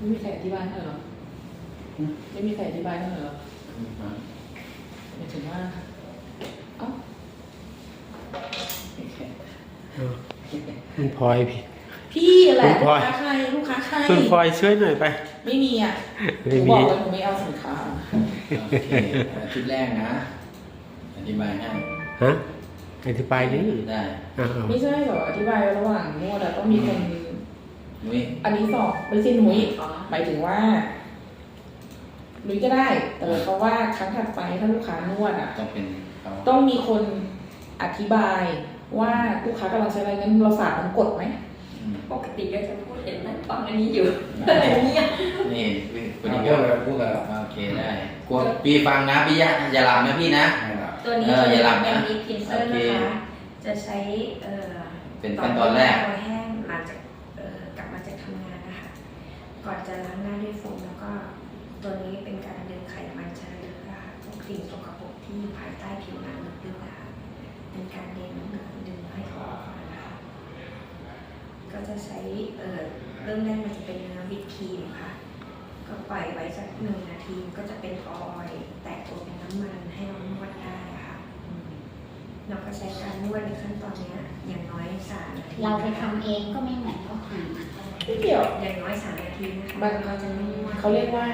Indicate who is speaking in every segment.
Speaker 1: ไม่มีใครอธิบายให้เหรอไม่มีใครอธิบายให้เหรอหมายถึงว่าเอ้า
Speaker 2: คุณพลอย
Speaker 1: พี่แหละลูกค้าใครลูกค้าใคร
Speaker 2: คุณพลอยช่วยหน่อยไป
Speaker 1: ไม่มีอ่ะ
Speaker 2: ไม่มี
Speaker 1: บอกแล้วหนูไม่เอาสินค้า
Speaker 3: โอเคชุดแรกนะอธิบายให้
Speaker 2: ฮะอธิบายดิ
Speaker 3: ได้
Speaker 1: ไม่ใช่แบบอธิบายระหว่างนวดอะต้องมีคน
Speaker 3: นุ้ย
Speaker 1: อันนี้สอบไม่ใช่หนุ้ยหมายถึงว่าหนุ้ยก็ได้แต่เพราะว่าครั้งถัดไปถ้าลูกค้านวดอะ
Speaker 3: ต้องเป็น
Speaker 1: ต้องมีคนอธิบายว่าลูกค้ากำลังใช้อะไรงั้นเราฝากมันกดไหม
Speaker 4: ปกติก็จะพูดเห็นมันฟังอันนี้อยู่อะไรเงี้ย
Speaker 3: นี่คนนี้ก็พูดแบบโอเคได้กดพี่ฟังนะพี่อย่าหลับนะพี่นะ
Speaker 4: ตัวนี้
Speaker 3: อย่าหลับนะ
Speaker 4: เป็นดีพินเซอร์นะคะจะใช้
Speaker 3: เป็นขั้นตอนแรก
Speaker 4: แห้งหลังจากกลับมาจากทำงานนะคะก่อนจะล้างหน้าด้วยโฟมแล้วก็ตัวนี้เป็นการดึงไขมันเชื้อเรือพวกสิ่งสกปรกที่ภายใต้ผิวหนังลึกๆนะคะเป็นการดึงให้เขาออกมานะคะก็จะใช้เริ่มแรกมันจะเป็นเนื้อวิปครีมค่ะก็ปล่อยไว้สัก1 นาทีก็จะเป็นออยล์แตกตัวเป็นน้ำมันให้เรานวดได้ค่ะเราก็ใช้การนวดในขั้นตอนนี้อย่างน้อย3 นาที
Speaker 5: เราไปทำเองก็ไม่เหมือนเขาท
Speaker 1: ไม่เกี่ยว
Speaker 4: อย่างน้อย3 นาทีนะคะเราจะนวด
Speaker 1: เขาเรียกว่า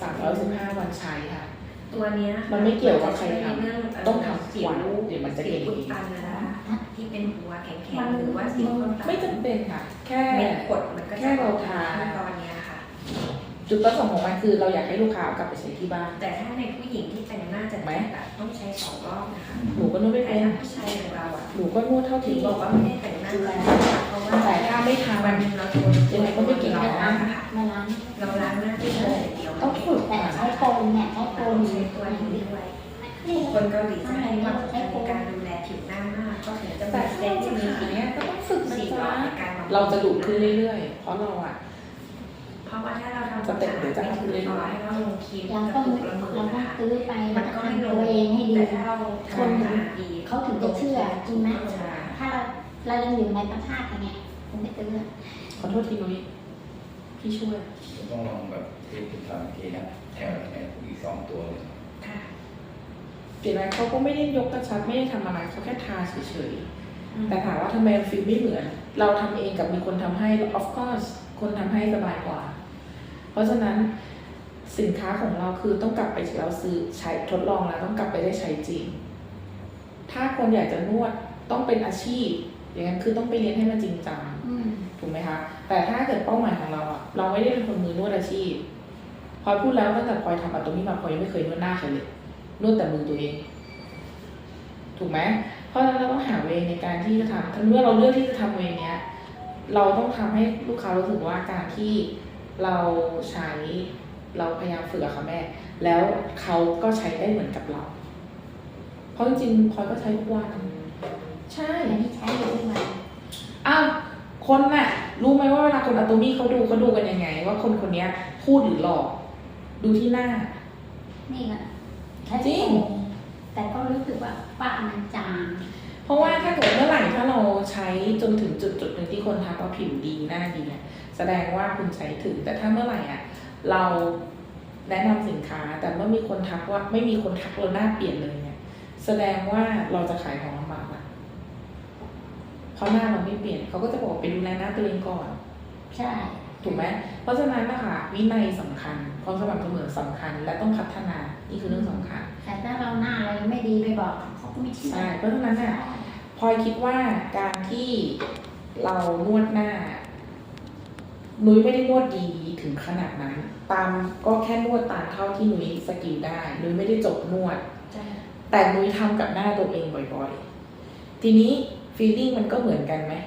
Speaker 1: 315 วันใช้ค่ะ
Speaker 4: ตัวนี้
Speaker 1: มันไม่เกี่ยวกับใครทำต้องทำสิวเดี๋ยวมันจะเก่ง
Speaker 4: อุดตันนะคะที่เป็นหัวแข็งๆหรือว่าสิว
Speaker 1: ไม่จำเป็นค่ะแค่
Speaker 4: กดมันก็
Speaker 1: แค่เราทา
Speaker 4: ตอนนี้ค่ะ
Speaker 1: จุดประสงค์ของมันคือเราอยากให้ลูกค้ากลับไปใช้ที่บ้าน
Speaker 4: แต่ถ้าในผู้หญิงที่แต่งหน้าจะต้องใช้2 รอบนะคะ
Speaker 1: หนูก็นวดไม่เป็น
Speaker 4: ผู้ชายของเราอ่ะ
Speaker 1: หนูก็นวดเท่าที่
Speaker 4: บอกว่าไม่ได้แต่งหน้าเพราะว่า
Speaker 1: แต่ถ้าไม่ทำ
Speaker 4: วันนึงเรา
Speaker 1: ยังไงก็ไม่เก่ง
Speaker 4: เรา
Speaker 1: ล้าง
Speaker 5: มาล้าง
Speaker 4: เราล้างหน้าด้วยเลยเดียว
Speaker 5: ต้องฝึกแต่ใช้โฟมเนี่ยใช้โฟม
Speaker 4: ใช้ตัวนี้ด้วยคนเกาหลีจะให้ความสำคัญในการดูแลผิวหน้ามากก็ถึงจะ
Speaker 1: แต่
Speaker 4: เซ็ตที่มีสี
Speaker 1: เนี้ยก็ต้องฝึกนะจ๊ะ
Speaker 4: เรา
Speaker 1: จะดุขึ้นเรื่อยๆเพราะเราอ่ะ
Speaker 4: เพราะว่าถ้าเราทำสเต็ปหรือจะทำเรื่อยๆให้เราลงครีม
Speaker 5: เราต้องซื้อไปมันก็ให้ตัวเองให้ดี
Speaker 4: ถ้าเรา
Speaker 5: คนเขาถึงจะเชื่อจริงไหมถ้าเรายังอยู่ในประเทศอย่างเงี้ยคงไม่ซื้อ
Speaker 1: ขอโทษทีนุ้ยพี่ช่วย
Speaker 3: ต้องลองแบบที่คุณทำทีนะแถวอีก2 ตัวเลย
Speaker 1: เปลี่ยนอะไรเขาก็ไม่ได้ยกกระชับไม่ได้ทำอะไรเขาแค่ทาเฉยๆแต่ถามว่าทำไมฟิลไม่เหมือนเราทำเองกับมีคนทำให้ of course คนทำให้สบายกว่าเพราะฉะนั้นสินค้าของเราคือต้องกลับไปเราซื้อใช้ทดลองแล้วต้องกลับไปได้ใช้จริงถ้าคนอยากจะนวดต้องเป็นอาชีพอย่างนั้นคือต้องไปเรียนให้มันจริงจังถูกไหมคะแต่ถ้าเกิดเป้าหมายของเราอะเราไม่ได้เป็นคนมือนวดอาชีพพลอยพูดแล้วตั้งแต่พลอยทำแบบตรงนี้มาพลอยยังไม่เคยนวดหน้าใครเลยนวดแต่มือตัวเองถูกไหมเพราะฉะนั้นเราต้องหาเวในการที่จะทำถ้าเมื่อเราเลือกที่จะทำเวเนี้ยเราต้องทำให้ลูกค้ารู้สึกว่าการที่เราใช้เราพยายามฝึกอะค่ะแม่แล้วเขาก็ใช้ได้เหมือนกับเราเพราะจริงๆพลอยก็ใช้ทุกวันใช่
Speaker 5: ไม่ใช้อยู่ทุกวัน
Speaker 1: อ้าวคนน่ะรู้ไหมว่าเวลาคนอะโตมี่เขาดูกันยังไงว่าคนคนนี้พูดหรือหลอกดูที่หน้า
Speaker 5: นี่แหละ
Speaker 1: จริง
Speaker 5: แต่ก็รู้สึกว่าป้ามันจาง
Speaker 1: เพราะว่าถ้าเกิดเมื่อไหร่ถ้าเราใช้จนถึงจุดหนึ่งที่คนทักว่าผิวดีหน้าดีเนี่ยแสดงว่าคุณใช้ถึงแต่ถ้าเมื่อไหร่อะเราแนะนำสินค้าแต่เมื่อมีคนทักว่าไม่มีคนทักเราหน้าเปลี่ยนเลยเนี่ยแสดงว่าเราจะขายของลำบากนะเพราะหน้าเราไม่เปลี่ยนเขาก็จะบอกไปดูแลหน้าตัวเองก่อน
Speaker 5: ใช่
Speaker 1: ถูกไหมเพราะฉะนั้นนะคะวินัยสำคัญความสม่ำเสมอสำคัญและต้องพัฒนานี่คือเรื่องสำคัญ
Speaker 5: แต่ถ้าเราหน้าเราไม่ดีไปบอกเขาก็ไม่เชื่อ
Speaker 1: ใช่เพราะฉะนั้นน่ะพลอยคิดว่าการที่เรานวดหน้านุ้ยไม่ได้นวดดีถึงขนาดนั้นตามก็แค่นวดตามเท่าที่นุ้ยสกิลได้นุ้ยไม่ได้จบนวดแต่นุ้ยทำกับหน้าตัวเองบ่อยๆทีนี้ฟีลลิ่งมันก็เหมือนกันไหม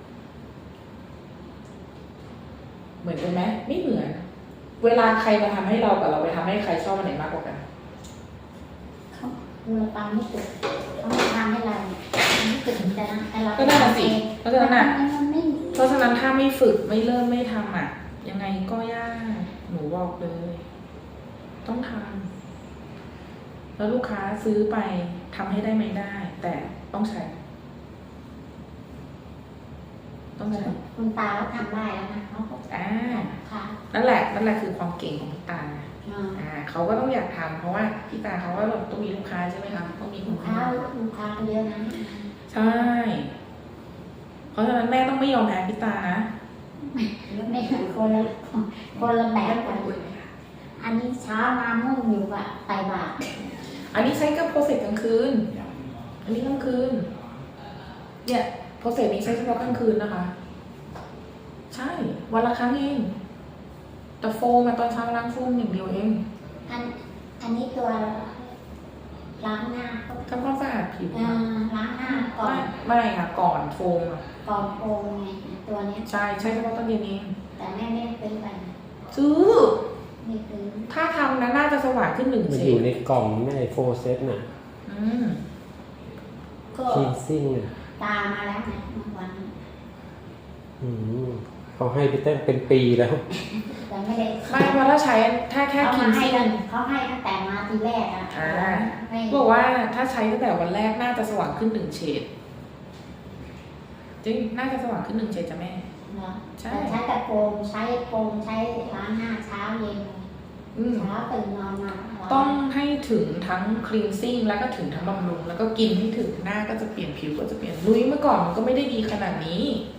Speaker 1: เหมือนกันไหมไม่เหมือนเวลาใครมาทำให้เรากับเราไปทำให้ใครชอบอันไหนมากกว่ากัน
Speaker 5: เขาเราตามไม่ติดเขาไม่ทำให้เราไม่ติดแต่เรา
Speaker 1: ก็ได้สิเพราะฉะนั้นถ้าไม่ฝึกไม่เริ่มไม่ทำอ่ะยังไงก็ยากหนูบอกเลยต้องทำแล้วลูกค้าซื้อไปทำให้ได้ไหมได้แต่ต้องใช้ต้องไปไหน
Speaker 5: คุณตาเขาทำได้แล้วนะเขาก็
Speaker 1: อ่า
Speaker 5: ค่ะ
Speaker 1: นั่นแหละคือความเก่งของพี่ตาเขาก็ต้องอยากทำเพราะว่าพี่ตาเขาก็ต้องมีลูกค้าใช่ไหมคะต้องมีลู
Speaker 5: ลู
Speaker 1: ก
Speaker 5: ก
Speaker 1: ค้า
Speaker 5: ค้าเยอะนะ
Speaker 1: ใช่ เพราะฉะนั้นแม่ต้องไม่ยอมแพ้พี่ตานะ
Speaker 5: ไม่คนละแบบกันอันนี้เช้ามามุ่งอยู่กับไตบาตร
Speaker 1: อันนี้ใช้กับโปรเซสกลางคืน อันนี้กลางคืน เนี่ยโปรเซสนี้ใช้เฉพาะกลางคืนนะคะ ใช่ วันละครั้งเองแต่โฟมมาตอนเช้าล้างโฟมอย่างเดียวเอง
Speaker 5: อันนี้ตัวล้างหน้าก็
Speaker 1: ทำความสะอาดผิว
Speaker 5: ล้างหน้าก่อน
Speaker 1: ไม่ค่ะ ก่อนโฟมอะ
Speaker 5: ก่อนโปรงไงตัวเนี้ย
Speaker 1: ใช่ใช้เฉพาะตอนเย็นเอง
Speaker 5: แต่แม่ไม่ได้ซื้อไปนะ
Speaker 1: ซื้อ
Speaker 5: ไม่ซื้อ
Speaker 1: ถ้าทำนะน่าจะสว่างขึ้นหนึ่ง
Speaker 2: มัน
Speaker 1: เฉ
Speaker 2: อยู่
Speaker 1: ด
Speaker 2: ในกล่องไม่โฟเซตน่ะ
Speaker 1: อืม
Speaker 5: ก็
Speaker 2: คีนซิ่งน่ะ
Speaker 5: ตามมาแล้วไงเมื่อวัน
Speaker 2: อืมเขาให้ไปตั้งเป็นปีแล้ว
Speaker 5: แต่ไม่ได้
Speaker 1: ไม่เพราะถ้าใช้ถ้าแค่
Speaker 5: เขา
Speaker 1: คิ
Speaker 5: มาน ให้
Speaker 1: ซิ่
Speaker 5: กัน
Speaker 1: ง
Speaker 5: เขาให้ตั้งแต่มาทีแรกอ่ะ
Speaker 1: อ่า
Speaker 5: ไม่
Speaker 1: บอกว่าถ้าใช้ตั้งแต่วันแรกน่าจะสว่างขึ้นหนึ่งเฉดจริงน่าจะสว่างขึ้นหนึ่งเฉดจ้ะแม่
Speaker 5: เนาะ
Speaker 1: ใช่
Speaker 5: แต่ใช้แต่โปรงใช้ล้างหน้าเช้าเย็น
Speaker 1: อืม
Speaker 5: เช้าตื่นนอนมา
Speaker 1: ต้องให้ถึงทั้งคลีนซิ่งแล้วก็ถึงทั้งบำรุงแล้วก็กินให้ถึงหน้าก็จะเปลี่ยนผิวก็จะเปลี่ยนนุ้ยเมื่อก่อนมันก็ไม่ได้ดีขนาดนี้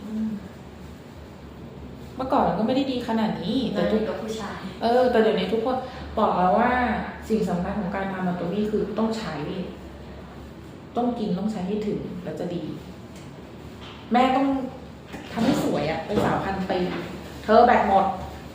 Speaker 1: เมื่อก่อนมันก็ไม่ได้ดีขนาดนี้
Speaker 4: แต่
Speaker 1: แต่
Speaker 4: ทุ
Speaker 1: ทุ
Speaker 4: ก
Speaker 1: ก
Speaker 4: กับผู้ชาย
Speaker 1: แต่เดี๋ยวนี้ทุกคนบอกแล้วว่าสิ่งสำคัญของการทำมาตัวนี้คือต้องใช้ ต้องกินต้องใช้ให้ถึงแล้วจะดี แม่ต้องทำให้สวยอะเป็นสาวพันปีเธอแบตหมด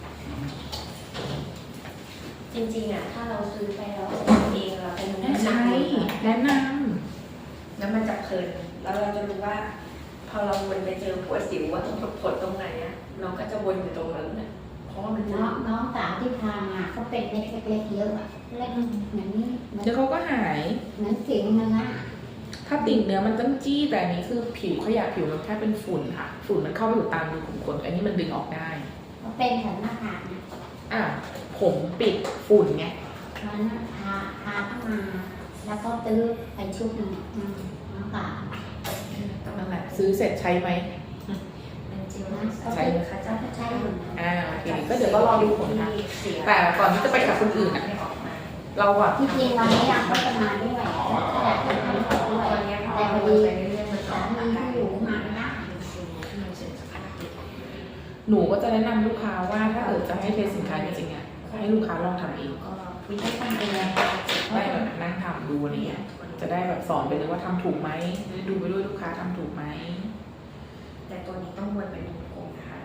Speaker 4: จริงๆอ่ะถ้าเราซื้อไปแล้วเองเราเป็น
Speaker 1: แม่ใช้แนะน
Speaker 4: แล้วมันจะเพลินแล้วเราจะรู้ว่า พอเราวนไปเจอหัวสิวว่าตรงผดตรงไหนอ่ะเราก็จะวนอยู่ตรงนั้นน่ะเพราะว่ามันจะ
Speaker 5: น้องสาวที่พามาเขาเป็นเล็กๆเยอะอะเล็กเหมือนนี้
Speaker 1: ำเดี๋ยวเขาก็หาย
Speaker 5: เหมือนสิวเนื้อ
Speaker 1: ถ้าติ่งเนื้อมันต้องจี้แต่อันนี้คือผิวขยะผิวมันแค่เป็นฝุ่นค่ะ ฝุ่นมันเข้าไปอยู่ตามรูขุมขนอันนี้มันดึงออกได้
Speaker 5: เขาเป็นแถวหน้าผากนะ
Speaker 1: อ่ะผมปิดฝุ่นไง
Speaker 5: วันนั้นพาเข้ามา แล้วก็ตื้อไปชุดหนึงน้องสาว
Speaker 1: นั่นแหละซื้อเสร็จใช้ไหม
Speaker 4: มันจริง
Speaker 5: นะ
Speaker 4: นะ
Speaker 5: เขา
Speaker 1: ใช้
Speaker 5: เป็นเขาจะใช้อยู่
Speaker 1: โอเคก็เดี๋ยวก็รอดูผลค่ะ แต่ก่อนที่จะไปกับคนอื่นอ่ะ
Speaker 4: ไม่ออกมา
Speaker 1: เราอ่ะ
Speaker 5: ที่จริงวันนี้เขาจะมาด้วยอยากจะทำด้วย
Speaker 4: ตอนนี้พอ
Speaker 5: แต่พ
Speaker 4: เรา
Speaker 5: อ
Speaker 4: วน
Speaker 5: ดี
Speaker 4: ไปเรื่อยๆมันจะ
Speaker 5: สา
Speaker 4: ออก
Speaker 5: มี
Speaker 4: อาการ
Speaker 5: ที่อยู่มาไม่ได้
Speaker 4: มันเสร็จสักพักหนึ่ง
Speaker 1: หนูก็จะแนะนำลูกค้าว่าถ้าเกิดจะให้เทสสินค้าจริงๆอ่ะให้ลูกค้าลองทำเอง
Speaker 4: ก็วิธีทำเอง
Speaker 1: ได้แบบนั่งทำดูอะไรเงี้ยจะได้แบบสอนไปเลยว่าทำถูกไหมดูไปด้วยลูกค้าทำถูกไหม
Speaker 4: แต่ตัวนี้ต้องวนเป็นวงกลมนะคะ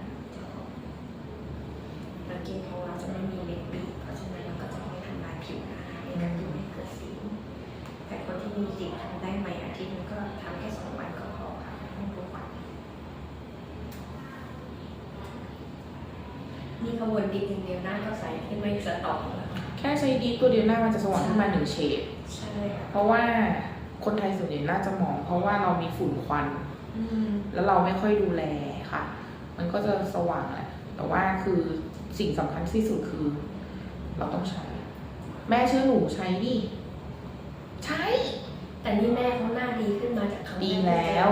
Speaker 4: แล้วกินของเราจะไม่มีเม็ดบีบเพราะฉะนั้นเราก็จะไม่ทำลายผิวนะคะในการที่ไม่เกิดสิวแต่คนที่มีสิวทำได้ไหมอาทิตย์นึงก็ทำแค่2 วันก็พอค่ะไม่ทุกวันนี่ขบวนดินอย่างเดียวหน้าก็ใสขึ้นไม่สะตอกแล้ว
Speaker 1: แค่ใช้ดีตัวเดียวหน้ามันจะสว่างขึ้นมาหนึ่งเฉด
Speaker 4: ใช่ค่ะ
Speaker 1: เพราะว่าคนไทยส่วนใหญ่น่าจะมอง เพราะว่าเรามีฝุ่นควัน แล้วเราไม่ค่อยดูแลค่ะ มันก็จะสว่างแหละ แต่ว่าคือสิ่งสำคัญที่สุดคือ เราต้องใช้ แม่เชื่อหนูใช้ดิ ใช้
Speaker 4: แต่นี่แม่เขาหน้าดีขึ้นมาจากครั้ง
Speaker 1: ดี
Speaker 4: แรก
Speaker 1: แล้ว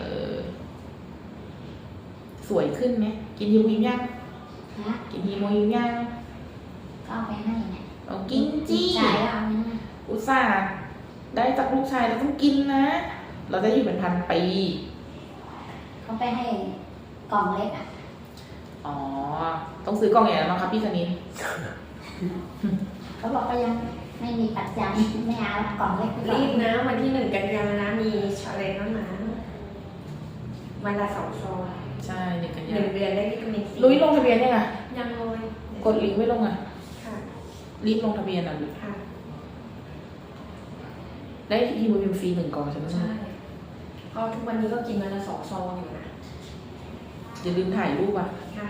Speaker 1: สวยขึ้นไหมกินฮีโมยิมยัง
Speaker 5: นะ
Speaker 1: กินฮีโมยิมยัง
Speaker 5: ก็เอาไปให้เนี่ย
Speaker 1: เอากินจี้
Speaker 5: ชายเอาเนี่ย
Speaker 1: อุตส่าห์ได้จากลูกชายเราต้องกินนะ เราจะอยู่เป็นพันปี
Speaker 5: เขาไปให้กล่องเล็กอ่ะ
Speaker 1: อ๋อ ต้องซื้อกล่องใหญ่แล้วมั้งครับพี่คณิน
Speaker 5: เขาบอกก็ยังไม่มีปัจจัยไม่เอากล่องเล็กไปก่อน
Speaker 4: รีบนะวันที่1 กันยายนนะมีชาเลนจ์แล้วนะวันละ2 ซอง
Speaker 1: ใช่1 กันยา
Speaker 4: 1 เดือนได้วิตามินซี
Speaker 1: ลุยลงทะเบียนยังไง
Speaker 4: ยังเลย
Speaker 1: กดลิงก์ไม่ลงอ่ะ
Speaker 4: ค่ะ
Speaker 1: รีบลงทะเบียนอ่ะ
Speaker 4: ค่ะ
Speaker 1: ได้ฮีโมบิมฟรี1 กล่องใช่ไหม
Speaker 4: ใช่เพราะทุกวันนี้ก็กินวันละ2 ซองอยู่นะ
Speaker 1: อย่าลืมถ่ายรูปอ่ะ
Speaker 4: ค่ะ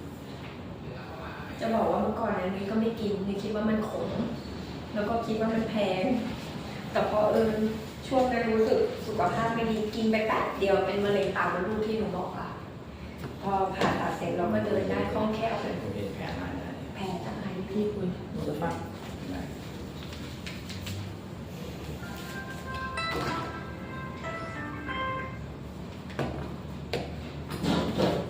Speaker 4: จะบอกว่าเมื่อก่อนนะนี่ก็ไม่กินนี่คิดว่ามันขมแล้วก็คิดว่ามันแพงแต่พอช่วงนั้นรู้สึกสุขภาพไม่ดีกินไป8 เดียวเป็นมะเร็งปากมดลูกที่หนูบอกอ่ะพอผ่าตัดเสร็จเราก็เดินได้คล่องแคล่วเลย
Speaker 3: ผมเห็นแผนมาได้
Speaker 4: แผลจากไหน
Speaker 1: พี่คุยหนูจะฟัง
Speaker 3: ไ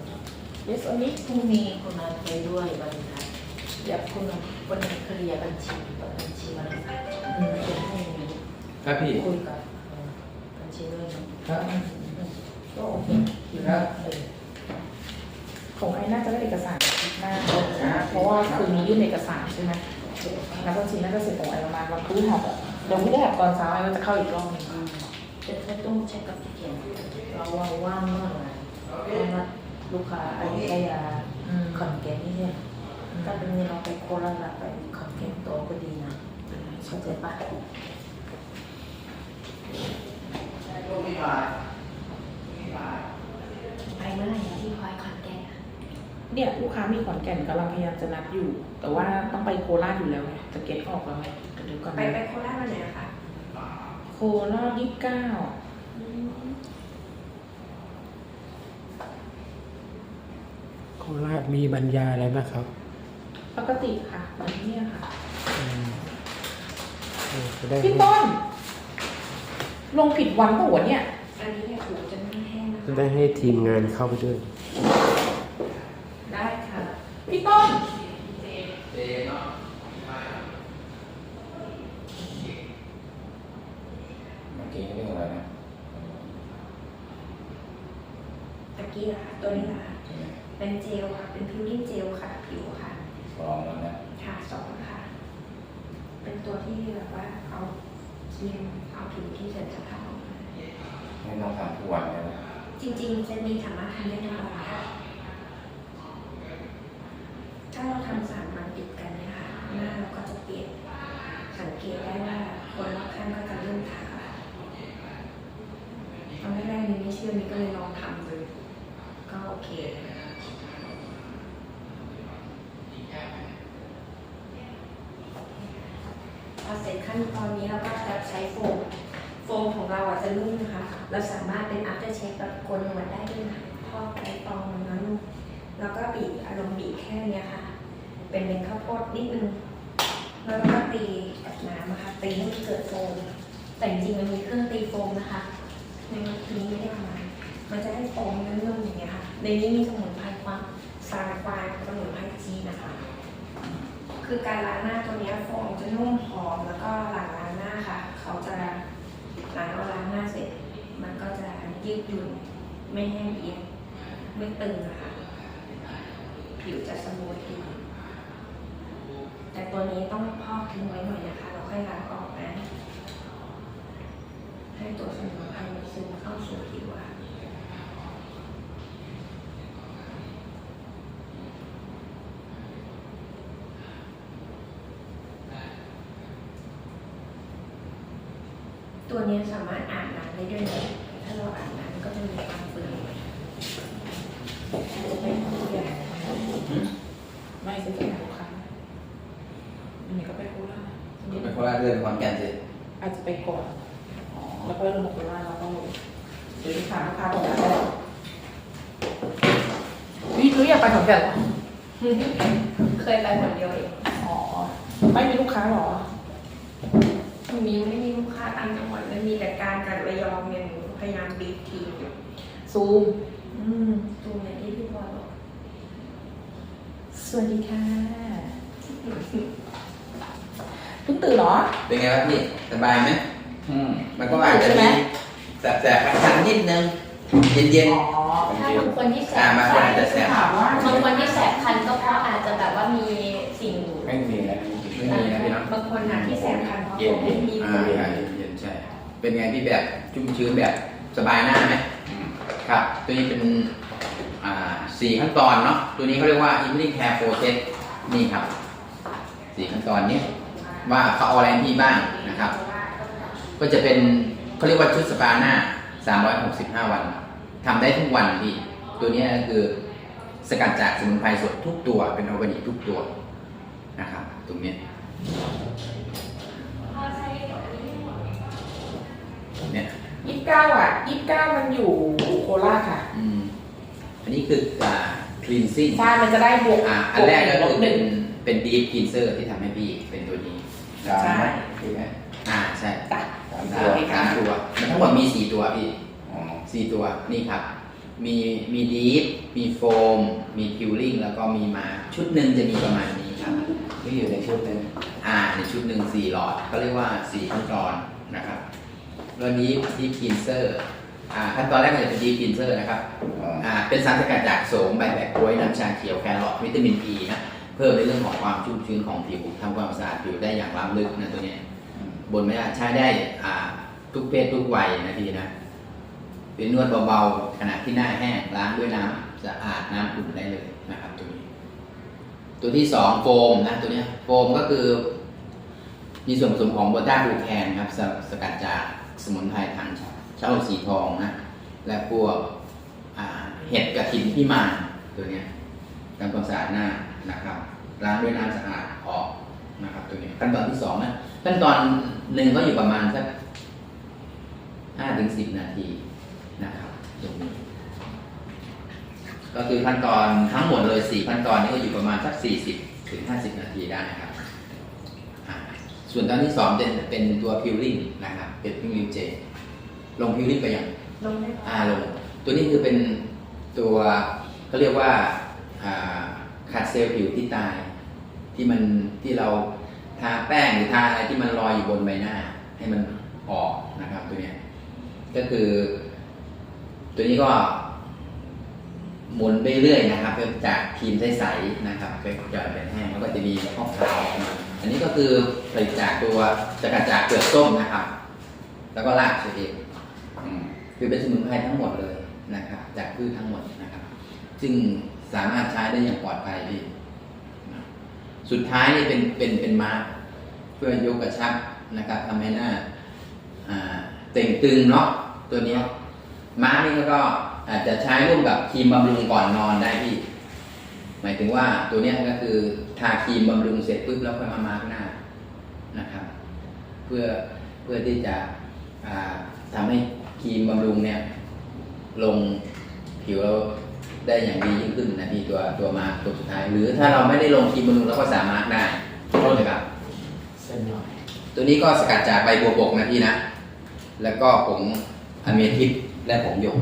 Speaker 1: ตัวนี้
Speaker 6: พรุ่งนี้คุณนัดไปด้วยวันนัด
Speaker 1: เดี๋ยวคุณ
Speaker 6: วันนี้เคลียร์บัญชีกับบัญชีวันนัด
Speaker 1: อืม
Speaker 6: จะให้
Speaker 3: ครับพี่
Speaker 6: คุยกับบัญชีด้วยเนาะ
Speaker 3: ครับ
Speaker 1: ก็โอเค
Speaker 3: ครับ
Speaker 1: ของไอ้น่าจะได้เอกสารหน้าเพราะว่าคืนนี้ยื่นเอกสารใช่ไหมนักบัญชีน่าจะเสร็จของไอ้ประมาณวันพฤหัสอะเดี๋ยวไม่ได้แบบตอนเช้าไอ้ก็จะเข้าอีกรอบหนึง
Speaker 6: จะต้องเช็คกับพี่เขียนเราว่างเมื่อไหร่เพราะว่าลูกค้าอันนี้ก็ยาขอนแก่นนี่เนี่ยถ้าเป็นเราไปโคราชไปขอนแก่นโตก็ดีนะเข้าใจปะ
Speaker 4: ไปเมื่อไหร่นะที่พลอยขอนแก่นอะ
Speaker 1: เนี่ยลูกค้ามีขอนแก่นกำลังพยายามจะนัดอยู่ แต่ว่าต้องไปโคราชอยู่แล้วไงจะเก็ตออกแล้วไงเดี๋ยวก่อน
Speaker 4: ไป
Speaker 1: นะ
Speaker 4: โคราชวันไหนอะคะ
Speaker 1: โคราช29
Speaker 2: โคราชมีบรรยายอะไรไหมครับ
Speaker 1: ปกติค่ะวันนี้เนี่ยค่ะ
Speaker 2: จะได้
Speaker 1: พี่ต้น ลงผิดวันปะวะเนี่ย
Speaker 4: อันนี้เนี่ยหูจะไม่แห้งนะ
Speaker 2: จะ
Speaker 4: คะ
Speaker 2: ได้ให้ทีมงานเข้าไปด้วย
Speaker 1: ได้ค่ะ พี่ต้น
Speaker 3: เจ๊เนาะเมื่อกี้เรื่องอะไรนะ
Speaker 4: ตะกี้อะค่ะตัวนี้นะคะเป็นเจลค่ะ เป็นพิวริ่งเจลค่ะผิวค่ะ
Speaker 3: สองแล้วนะ
Speaker 4: ค่ะสองค่ะ เป็นตัวที่แบบว่าเอาครีมเอาผิวที่เสร็จสภาพออกมา
Speaker 3: ไม่ต้องทำทุกวันเลยนะ
Speaker 4: จริงๆเซตนี้สามารถทำได้ทุกวันค่ะ ถ้าเราทำ3 วันติดกันเนี่ยค่ะ หน้าเราก็จะเปลี่ยน สังเกตได้ว่าคนรอบข้างก็จะเริ่มทักค่ะตอนแรกๆนี่ไม่เชื่อนี่ก็เลยลองทำเลยก็โอเค พอเสร็จขั้นตอนนี้เราก็จะใช้โฟม โฟมของเราอ่ะจะนุ่มนะคะ เราสามารถเป็น after shave แบบโกนหนวดได้ด้วยนะพอกไกฟองมันน้อยลงแล้วก็บีบอารมณ์บีบแค่เนี้ยค่ะ เป็นข้าวโพดนิดนึง แล้วก็ตีกับน้ำนะคะ ตีให้มันเกิดโฟม แต่จริงๆมันมีเครื่องตีโฟมนะคะ ในวันนี้ไม่ได้ทำมามันจะได้โฟมนุ่มๆอย่างเงี้ยค่ะ ในนี้มีสมุนไพรความซาลาควายสมุนไพรจีนนะคะ คือการล้างหน้าตัวเนี้ยโฟมจะนุ่มหอมแล้วก็หลังล้างหน้าค่ะ เขาจะหลังเราล้างหน้าเสร็จ มันก็จะยืดหยุ่นไม่แห้งเอียงไม่ตึงนะคะ ผิวจะสมูทดีแต่ตัวนี้ต้องพอกทิ้งไว้หน่อยนะคะเราค่อยล้างออกนะ ให้ตัวสมุนไพรมันซึมเข้าสู่ผิวอะค่ะตัวนี้สามารถอาบน้ำได้ด้วยนะถ้าเราอาบน้ำก็จะมีความเปื่อย
Speaker 1: จะเป็นของใหญ่ไม่ซื้อจากลูกค้าอันนี้ก็ไปโคราช
Speaker 3: ไปโคราชเรื่องขอนแก่นสิ
Speaker 1: อาจจะไปก่อนแล้วก็ลงโคราชแล้วก็ซื้อลูกค้าของเราวิทย์อยากไปขอนแก่นเหรอ
Speaker 4: เคยไปคนเดียวเอง
Speaker 1: อ๋อ ไม่มีลูกค้าเหรอ
Speaker 4: ไม่มีลูกค้าต่างจังหวัดเลยมีแต่การกับระยองเนี่ยหนูพยายามบีบทีอยู่
Speaker 1: ซูม
Speaker 4: ตรงไหนที่พี่บอยบอก
Speaker 1: สวัสดีค่ะเพิ่งตื่นเหรอ
Speaker 3: เป็นไงครับพี่สบายไหมมันก็อาจจะมีแสบๆคันๆนิดนึงเย็น
Speaker 1: อ๋อ
Speaker 6: ถ้าบางคนที่แส
Speaker 3: ๆ
Speaker 6: บ
Speaker 3: มาคนอาจจะแสบ
Speaker 1: ถามว่า
Speaker 6: บางคนที่แสบคันก็เพราะอาจจะแบบว่ามีสิ่ง
Speaker 3: ไม่มีนะไม่มีนะพี่เนาะ
Speaker 4: บางคนอ่ะที่แสบคันเพราะ
Speaker 3: เย็
Speaker 4: ผ
Speaker 3: น
Speaker 4: มไม่มี
Speaker 3: อ่า
Speaker 4: คน
Speaker 3: ใช่เย็นใช่ เป็นไงพี่แบบชุ่มชื้นแบบสบายหน้าไหมครับ ตัวนี้เป็น4 ขั้นตอนเนาะ ตัวนี้เขาเรียกว่า evening hair process นี่ครับ 4 ขั้นตอนนี้ว่าเขาเอาอะไรให้พี่บ้างนะครับ ก็จะเป็นเขาเรียกว่าชุดสปาหน้า 365 วันทำได้ทุกวันพี่ ตัวนี้ก็คือสกัดจากสมุนไพรสดทุกตัว เป็นออร์แกนิกทุกตัวนะครับ ตรงนี้เนี่ย
Speaker 1: 29อ่ะ29มันอยู่โคราชค่ะ
Speaker 3: อันนี้คือcleansing
Speaker 1: ใช่ มันจะได้บวก
Speaker 3: อันแรกก็คือ
Speaker 1: หนึ่ง
Speaker 3: เป็น deep cleanser ที่ทำให้พี่เป็นตัวนี้
Speaker 1: ใช่
Speaker 3: ใช่ไหมใช่
Speaker 1: จ้ะ
Speaker 3: 3 ตัวมันทั้งหมดมี4 ตัวพี่4 ตัวนี่ครับมีดีฟมีโฟมมีพิวลิ่งแล้วก็มีมาชุดหนึ่งจะมีประมาณนี้ครับ
Speaker 7: ที่อยู่ในชุดหนึง
Speaker 3: ในชุดหนึ่ง4 หลอดเขาเรียกว่า4ขั้นตอนนะครับแล้วดีฟคลีนเซอร์ขั้นตอนแรกมันจะเป็นดีฟคลีนเซอร์นะครับเป็นสารสกัดจากโสมใบแบกกล้วยน้ำชาเขียวแครอทวิตามินอีนะเพิ่มในเรื่องของความชุ่มชื้นของผิวทำความสะอาดผิวได้อย่างล้ำลึกนะตัวเนี้ยบนไม่ได้ใช้ได้ทุกเพศทุกวัยนะพี่นะเป็นนวดเบาๆขณะที่หน้าแห้งล้างด้วยน้ำสะอาดน้ำอุ่นได้เลยนะครับตัวนี้ ตัวที่2โฟมนะตัวนี้โฟมก็คือมีส่วนผสมของโบต้าบลูแคนครับสกัดจากสมุนไพรทางเช่าสีทองนะและพวกเห็ดกระถินพิมานตัวนี้ทำความสะอาดหน้านะครับล้างด้วยน้ำสะอาดออกนะครับตัวนี้ขั้นตอนที่2นะขั้นตอนหนึ่งก็อยู่ประมาณสัก5-10 นาทีนะครับตรงนี้ก็คือขั้นตอนทั้งหมดเลย4ขั้นตอนนี้ก็อยู่ประมาณสัก40-50 นาทีได้ครับส่วนตอนที่2จะเป็นตัวพิวลิ่งนะครับเป็นพิวลิ่งเจลงพิวลิ่งไปอย่าง
Speaker 4: ลงได้ไหม
Speaker 3: ลงตัวนี้คือเป็นตัวเขาเรียกว่าขัดเซลล์ผิวที่ตายที่เราทาแป้งหรือทาอะไรที่มันลอยอยู่บนใบหน้าให้มันออกนะครับตัวนี้ก็คือตัวนี้ก็หมุนไปเรื่อยนะครับจากครีมใสๆนะครับไปหยอดเป็นแห้งแล้วก็จะมีขาวๆออกมาอันนี้ก็คือผลิตจากตัวสกัดจากเปลือกส้มนะครับแล้วก็รากเฉยคือเป็นสมุนไพรทั้งหมดเลยนะครับจากพืชทั้งหมดนะครับซึ่งสามารถใช้ได้อย่างปลอดภัยดีสุดท้ายนี่เป็นมาร์กเพื่อยกกระชับนะครับทำให้หน้าเต่งตึงเนาะตัวนี้มาร์กนี่ก็อาจจะใช้ร่วมกับครีมบำรุงก่อนนอนได้พี่หมายถึงว่าตัวนี้ก็คือทาครีมบำรุงเสร็จปุ๊บแล้วค่อยมามาร์กหน้านะครับเพื่อที่จะทำให้ครีมบำรุงเนี่ยลงผิวเราได้อย่างดียิ่งขึ้นนะพี่ตัวมาร์กตัวสุดท้ายหรือถ้าเราไม่ได้ลงครีมบำรุงเราก็สามารถได้เลยครับ
Speaker 7: เส้นหน่อย
Speaker 3: ตัวนี้ก็สกัดจากใบบัวบกนะพี่นะแล้วก็ผงอะเมทิสและผงหยก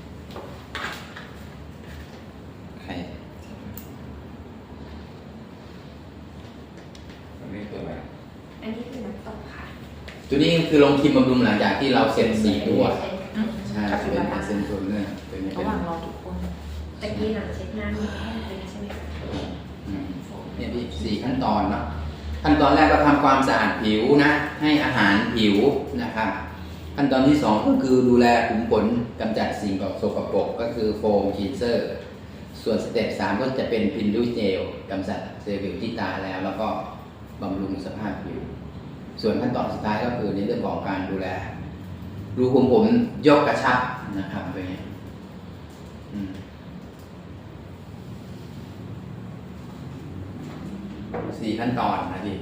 Speaker 4: อันนี้คือน้ำตกค่ะ
Speaker 3: ตัวนี้คือลงครีมบำรุงหลังจากที่เราเสร็จ4 ตัวใช่เป็นเซนโทนเนอร์ตัวนี้เป็
Speaker 6: ระ
Speaker 3: น
Speaker 6: หว่างรอทุกคน
Speaker 4: ตะกี้หลังเช็ดน้ำมีแห้งเลยใช่ไหมคะ
Speaker 3: เนี่ยพี่4 ขั้นตอนเนาะขั้นตอนแรกก็ทำความสะอาดผิวนะให้อาหารผิวนะครับขั้นตอนที่2ก็คือดูแลขุมขนกำจัดสิ่งสกปรกก็คือโฟมคลีนเซอร์ส่วนสเต็ป3ก็จะเป็นพินดูเจลกำจัดเซลล์ผิวที่ตายแล้วก็บำรุงสภาพผิวส่วนขั้นตอนสุดท้ายก็คือในเรื่องของการดูแลรูขุมขนยกกระชับนะครับตัวนี้4 ขั้นตอนนะพี่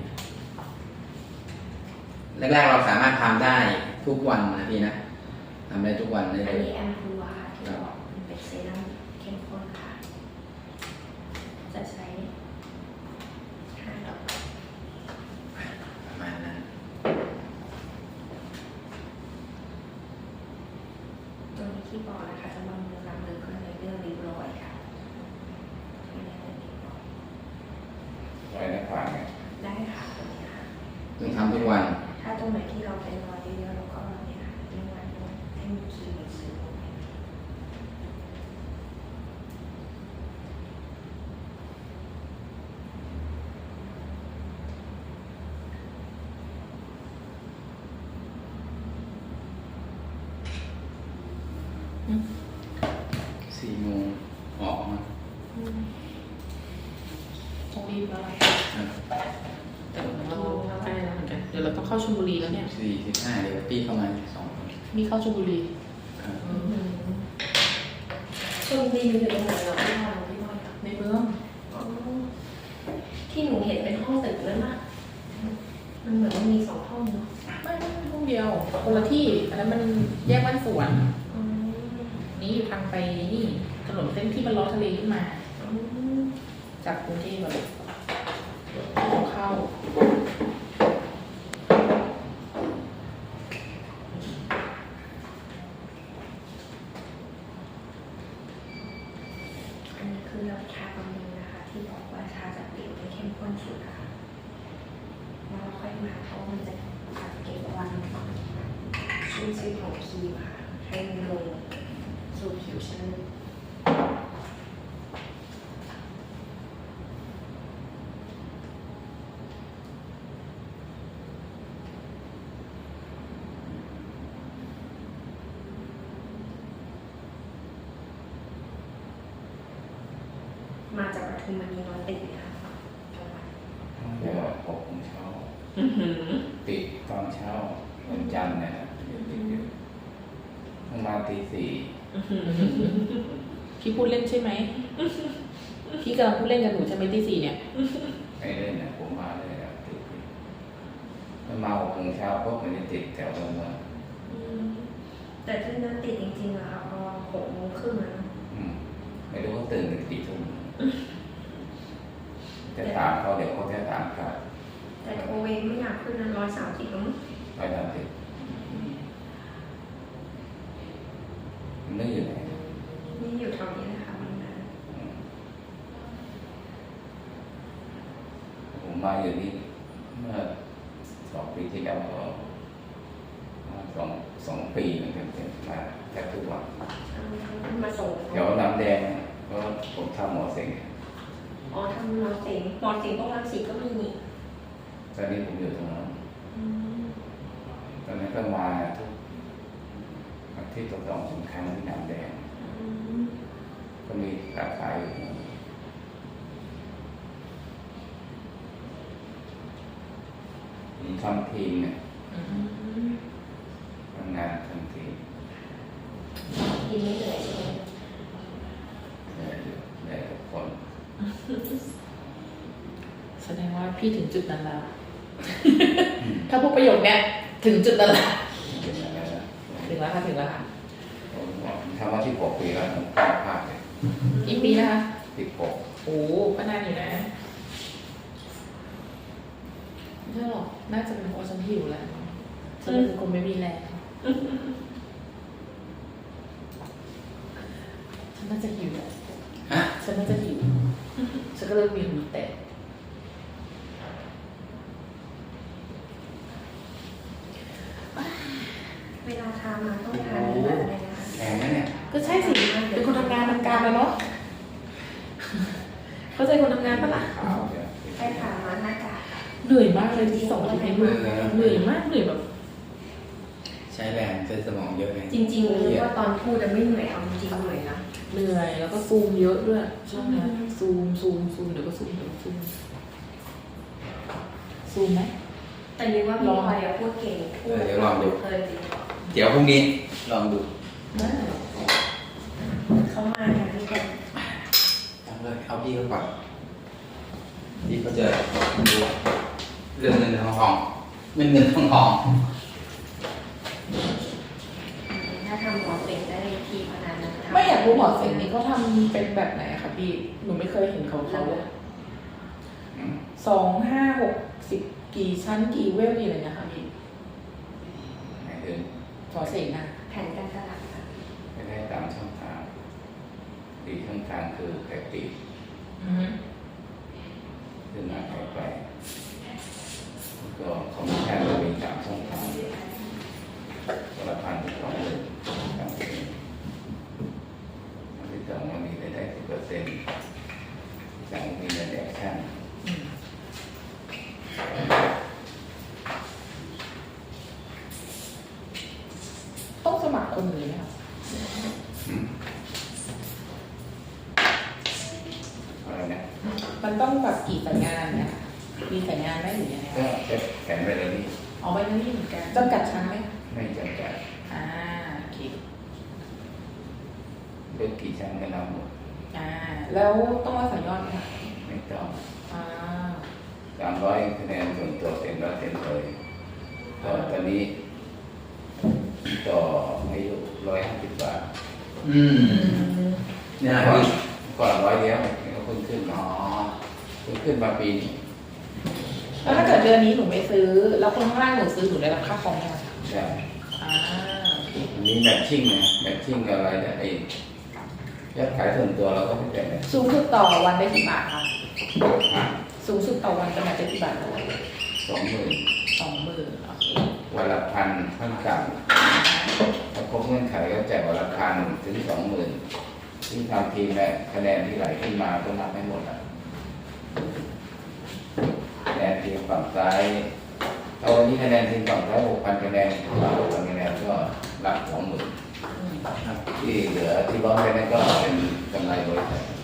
Speaker 3: แรกๆเราสามารถทำได้ทุกวันนะพี่นะทำได้ทุกวันเลย
Speaker 4: อันนี้แอมพูวาที่บอกเป็นเซรั่มเข้มข้นค่ะ จะใช้5 ดอก
Speaker 3: ประมาณนั้น
Speaker 4: ตัวนี้ที่บอกนะคะจะบำรุงล้างเลือดก็เลยเลือดริ้วรอยค่ะไม่ได้เลยริ้วรอย
Speaker 7: ไว้ในขวางเนี่ย
Speaker 4: ได้ค่ะตัวนี้ค่ะ
Speaker 3: ต้องทำทุกวัน
Speaker 4: ถ้าตรงไหนที่เราเป็นรอยเยอะๆเราก็เนี่ยค่ะเรียกว่าให้มีครีมซึมลงไป
Speaker 3: 4 โมงออกมา
Speaker 1: ต้องรีบแล้วล่ะแต่เราใกล้แล้วเหมือนกันเดี๋ยวเราต้องเข้าชลบุรีแล้วเนี่ย
Speaker 3: 4:15เดี๋ยวพี่เข้ามา2 คน
Speaker 1: มีเข้าชลบุรี
Speaker 3: ครับ
Speaker 4: ชลบุรีอยู่ตรงไหนเหรอพี่บอยพี่บอยค่ะ
Speaker 1: ในเมือง
Speaker 4: อ๋อที่หนูเห็นเป็นห้องตึกนั่นน่ะมันเหมือนมันมี2 ห้องเนาะ
Speaker 1: ไม่ห้องเดียวคนละที่อันนั้นมันแยกบ้านสวน
Speaker 4: อ๋อ
Speaker 1: นี่อยู่ทางไปนี่ถนนเส้นที่มันล้อทะเลขึ้นมา
Speaker 4: อ๋อ
Speaker 1: จากกรุงเทพแบบเข้า
Speaker 4: เป็นชื่อของครีมค่ะให้มันลงสู่ผิวชั้นลึกมาจากปทุมธานีนอนติดค่ะจังหวัด
Speaker 7: เดี๋ยว6 โมงเช้า
Speaker 1: อื้อหือ
Speaker 7: ติดตอนเช้าวันจันทร์เนี่ยประมาณตี
Speaker 1: พี่พูดเล่นใช่ไหม พี่กำลังพูดเล่นกับหนูใช่ไหมตี 4เนี่ย
Speaker 7: 4ไม่เล่นนะผมมาเลยอะติดมันมา6 โมงเช้าเพราะมันจะติดแถวเมือง
Speaker 4: แต่ที่นั้นติดจริงๆอะค่ะพอ6:30แล้วนะ
Speaker 7: ไม่รู้ว่าตื่นถึงกี่ทุ่มจะถามเขาเดี๋ยวเขาจะถามกลับ
Speaker 4: แต่โทรเองไม่อยากขึ้นนั้น130แล้วมั้ง
Speaker 7: ไปทำติดมันไม่อยู่ไหน
Speaker 4: นี่อยู่แถวนี้นะคะมันนะ
Speaker 7: ผมมาอยู่นี่เมื่อ2 ปีที่แล้วก็สองปีเหมือนกันมาแทบทุกวัน
Speaker 4: มาส่ง
Speaker 7: แถวน้ำแดงเพราะผมทำหมอเสง
Speaker 4: อ๋อทำหมอเสงหมอเสงต้องรังสีก็มีนี่
Speaker 7: ตอนนี้ผมอยู่ตรงนั้นตอนนั้นก็มาทุกอาทิตย์ต่อ2 ครั้งที่น้ำแดง ก็มีสาขาอยู่ผมทำทีมเนี่ยทำงานทำทีม
Speaker 4: กินไม่เหนื่อยใช่ไหม
Speaker 7: เหนื่อยอยู่เหนื่อยทุกคน
Speaker 1: แสดงว่าพี่ถึงจุดนั้นแล้ว ถ้าพูดประโยคเนี้ยถึงจุดนั้นแล้ว
Speaker 7: เป็นอย่างนั้นนะ
Speaker 1: ถึงแล้วค่ะถึงแล้วค่ะ
Speaker 7: ผมทำมาที่6 ปีแล้วผมกล้าพลาดเลย
Speaker 1: กี่ปีนะคะ
Speaker 7: 16
Speaker 1: โอ้ก็นานอยู่นะไม่ใช่หรอกน่าจะเป็นเพราะฉันหิวแหละฉันเป็นคนไม่มีแรงฉันน่าจะหิวแหละ
Speaker 3: ฮะ
Speaker 1: ฉันน่าจะหิวฉันก็เลยมีหูแตก
Speaker 4: เวลาทานมาต้องทานแบบไหนนะคะ
Speaker 7: แข็งนะเนี่ย
Speaker 1: ก็ใช่สิเป็นคนทำงานทำการแล้วเนาะเข้าใจคนทำงานปะล่ะ
Speaker 7: ขาวเดี๋ยว
Speaker 4: ใช่ค่ะมาหน้ากาก
Speaker 1: เหนื่อยมากเลยที่2 อาทิตย์นี้เหนื่อยมากเหนื่อยแบบ
Speaker 3: ใช้แรงใช้สมองเยอะไง
Speaker 4: จริงๆรู้ว่าตอนพูดจะไม่เหนื่อยเอาจริงๆเหนื่อยนะ
Speaker 1: เหนื่อยแล้วก็ซูมเยอะด้วยช่วงเนี้ยซูมเดี๋ยวก็ซูมซูมไหม
Speaker 4: แต่นี่ว่าพี่พลอยอะพูดเก่งพูด
Speaker 3: เดี๋ยวลองดู
Speaker 4: เพลินดี
Speaker 3: เดี๋ยวพรุ่งนี้ลองดู
Speaker 1: ได้
Speaker 4: เขามาอย่างที่เป็น
Speaker 3: เอาเลยเอาพี่เขาก่อนพี่เขาจะดูเรื่องเงินทองเงินทอง
Speaker 4: ถ้าทำหมอเสงได้ทีขนาดนั้นทำ
Speaker 1: ไม่อยากรู้หมอเสงนี่เขาทำเป็นแบบไหนอะคะพี่หนูไม่เคยเห็นเขาเลย 2 5 6 10กี่ชั้นกี่เวลนี่อะไรนะคะพี่
Speaker 7: หมายถึง
Speaker 1: หมอเสงอะ
Speaker 4: แผนการตลาดค่ะ
Speaker 7: ไม่ได้ตามช่องทางดีช่องทางคือแพ็กติขึ้นมาแพ็กไปก็คอมมิชชั่นจะมี3 ช่องทางคนละ1,000 ถึง 20,000ตามที่ที่สองมันมีรายได้ 10%จากมีรายได้แอคชั่น
Speaker 1: ต้องสมัครคนนี้ไหมคะ
Speaker 7: อะไรนะ
Speaker 1: มันต้องแบบกี่สัญญาณเนี่ยมีสัญญาณไหมหรือยังไง
Speaker 7: ก็จะแผนไปเลยนี่
Speaker 1: อ๋อไม่นี่เหมือนกันจำกัดชั้นไหม
Speaker 7: ไม่จำกัด
Speaker 1: โอเค
Speaker 7: เลือกกี่ชั้นก็รับหมด
Speaker 1: แล้วต้องรักษายอดไหมคะ
Speaker 7: ไม่ต้อง
Speaker 1: อ่า
Speaker 7: 300 คะแนนส่วนตัวเต็มร้อยเต็มเลยก็ตอนนี้ต่ออายุ150 บาท
Speaker 3: เนี่ย
Speaker 7: ก่อน
Speaker 3: พี่
Speaker 7: ก่อน100เดียวก็เพิ่งขึ้นมาเพิ่งขึ้นมาปีนี้
Speaker 1: แล้วถ้าเกิดเดือนนี้หนูไม่ซื้อ แล้วคนข้างล่างหนูซื้อหนูได้รับค่าคอมไหมคะ
Speaker 7: ใช่
Speaker 1: โอเค
Speaker 7: อันนี้แมทชิ่งนะแมทชิ่งกับอะไรเนี่ยไอ้ยอดขายส่วนตัวเราก็ไม่เป็นนะ
Speaker 1: สูงสุดต่อวันได้กี่บาทคะ
Speaker 7: อ่ะ
Speaker 1: สูงสุดต่อวันจะมาได้กี่บาทคะ
Speaker 7: 20,000
Speaker 1: 20,000โอเค
Speaker 7: วันละ1,000ขั้นต่ำครบเงื่อนไขก็แจกวันละ1,000 ถึง 20,000ที่ทำทีมเนี่ยคะแนนที่ไหลขึ้นมาก็นับให้หมดอ่ะคะแนนทีมฝั่งซ้ายถ้าวันนี้คะแนนทีมฝั่งซ้าย 6,000 คะแนนฝั่ง6,000 คะแนนก็รับ 20,000ที่เหลือที่ร้อนไปนั่นก็เป็นกำไรบริษัท